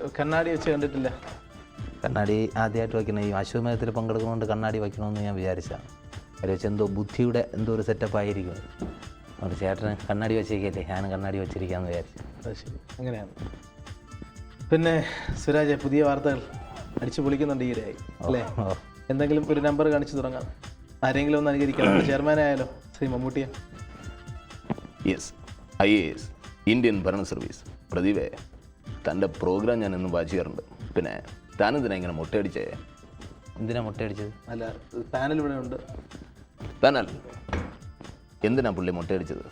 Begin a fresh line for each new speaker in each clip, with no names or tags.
കണ്ണാടി വെച്ച് കണ്ടിട്ടില്ല.
കണ്ണാടി ആദ്യമായിട്ട് വയ്ക്കണം. ഈ അശ്വമേധത്തിൽ പങ്കെടുക്കുന്നതുകൊണ്ട് കണ്ണാടി വയ്ക്കണമെന്ന് ഞാൻ വിചാരിച്ചതാണ്. അവർ വെച്ച് എന്തോ ബുദ്ധിയുടെ എന്തോ ഒരു സെറ്റപ്പ് ആയിരിക്കും. അതുകൊണ്ട് ചേട്ടന് കണ്ണാടി വെച്ചേക്കല്ലേ, ഞാനും കണ്ണാടി വെച്ചിരിക്കാമെന്ന് വിചാരിച്ചു.
അത് ശരി, അങ്ങനെയാണ്. പിന്നെ സുരാജ്, പുതിയ വാർത്തകൾ അടിച്ചു പൊളിക്കുന്നുണ്ട് ഈയിടെയായി അല്ലേ? എന്തെങ്കിലും ഒരു നമ്പർ കാണിച്ചു തുടങ്ങാം. ആരെങ്കിലും ഒന്ന് അനുകരിക്കണം. ചെയർമാനായാലോ ശ്രീ മമ്മൂട്ടിയെ?
യെസ്, IAS, ഇന്ത്യൻ ഭരണ സർവീസ്. പ്രദീപേ, തൻ്റെ പ്രോഗ്രാം ഞാൻ ഇന്ന് വാച്ച് ചെയ്യാറുണ്ട്. പിന്നെ താനെന്തിനാ ഇങ്ങനെ മുട്ടയടിച്ചേ?
എന്തിനാ മുട്ടയടിച്ചത്?
അല്ല, പാനൽ ഇവിടെ ഉണ്ട്.
പാനൽ എന്തിനാ പുള്ളി മുട്ടയടിച്ചത്?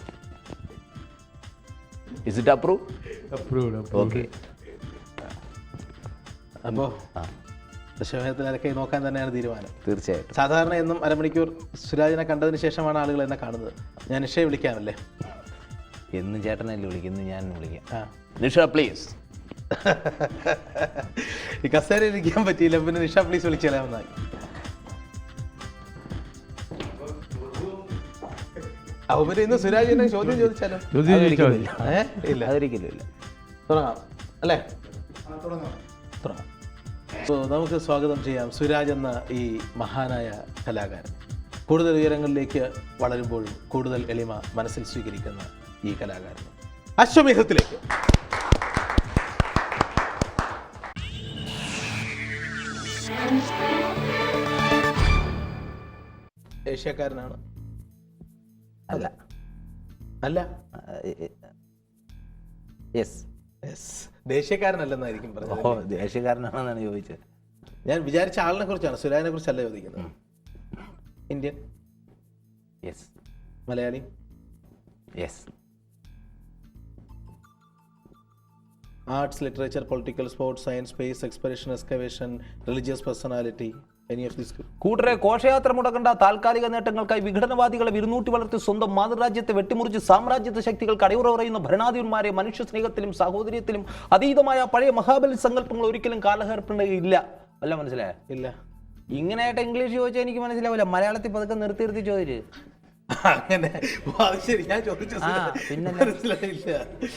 Is it approve? ഓക്കെ.
അപ്പോൾ ദശമേധത്തിലൊക്കെ നോക്കാൻ തന്നെയാണ് തീരുമാനം.
തീർച്ചയായിട്ടും.
സാധാരണ എന്നും അരമണിക്കൂർ സുരാജിനെ കണ്ടതിന് ശേഷമാണ് ആളുകൾ എന്നെ കാണുന്നത്. ഞാൻ നിഷയെ വിളിക്കാമല്ലേ?
എന്ന് ചേട്ടനല്ലേ വിളിക്കും, ഇന്ന് ഞാൻ വിളിക്കാം.
നിഷ പ്ലീസ്.
ഈ കസേരയിൽ ഇരിക്കാൻ പറ്റിയില്ല, പിന്നെ നിഷ പ്ലീസ് വിളിച്ചാലാമെന്നായി. അവര് ഇന്ന് സുരാജിനെ ചോദ്യം ചോദിച്ചാലോ? ഇല്ല,
അതൊരിക്കലും ഇല്ല.
തുടങ്ങാം അല്ലേ? തുടങ്ങാം. സോ നമുക്ക് സ്വാഗതം ചെയ്യാം സുരാജ് എന്ന ഈ മഹാനായ കലാകാരൻ. കൂടുതൽ ഉയരങ്ങളിലേക്ക് വളരുമ്പോഴും കൂടുതൽ എളിമ മനസ്സിൽ സ്വീകരിക്കുന്ന ഈ കലാകാരൻ അശ്വമേധത്തിലേക്ക്. ഏഷ്യക്കാരനാണ്?
അല്ല.
അല്ല.
യെസ്.
ദേശീയക്കാരനല്ലെന്നായിരിക്കും പറഞ്ഞത്.
ഓ, ദേശീയക്കാരനാണെന്നാണ് ചോദിച്ചത്.
ഞാൻ വിചാരിച്ച ആളിനെ കുറിച്ചാണ്, സുരാജിനെ കുറിച്ചല്ല ചോദിക്കുന്നത്. Indian?
Yes.
Malayali?
Yes.
Arts, literature, political, sports, science, space, exploration, excavation, religious personality, any of these?
കൂട്ടരെ ഘോഷയാത്ര മുടക്കേണ്ട താൽക്കാലിക നേട്ടങ്ങൾക്കായി വിഘടനവാദികളെ വിരുന്നൂട്ടി വളർത്തി സ്വന്തം മാതൃരാജ്യത്തെ വെട്ടിമുറിച്ച് സാമ്രാജ്യത്വ ശക്തികൾക്ക് അടിയുറ പറയുന്ന ഭരണാധിപന്മാരെ മനുഷ്യ സ്നേഹത്തിലും സാഹോദര്യത്തിലും അതീതമായ പഴയ മഹാബലി സങ്കല്പങ്ങൾ ഒരിക്കലും കാലഹർപ്പുണ്ടെങ്കിൽ അല്ല. മനസ്സിലായ?
ഇല്ല.
ഇങ്ങനെയായിട്ട് ഇംഗ്ലീഷ് ചോദിച്ചാൽ എനിക്ക് മനസ്സിലാവില്ല. മലയാളത്തിൽ പതുക്കെ നിർത്തി ചോദിച്ചു.
അങ്ങനെ ശരി, ഞാൻ ചോദിച്ചു മനസ്സിലായില്ല.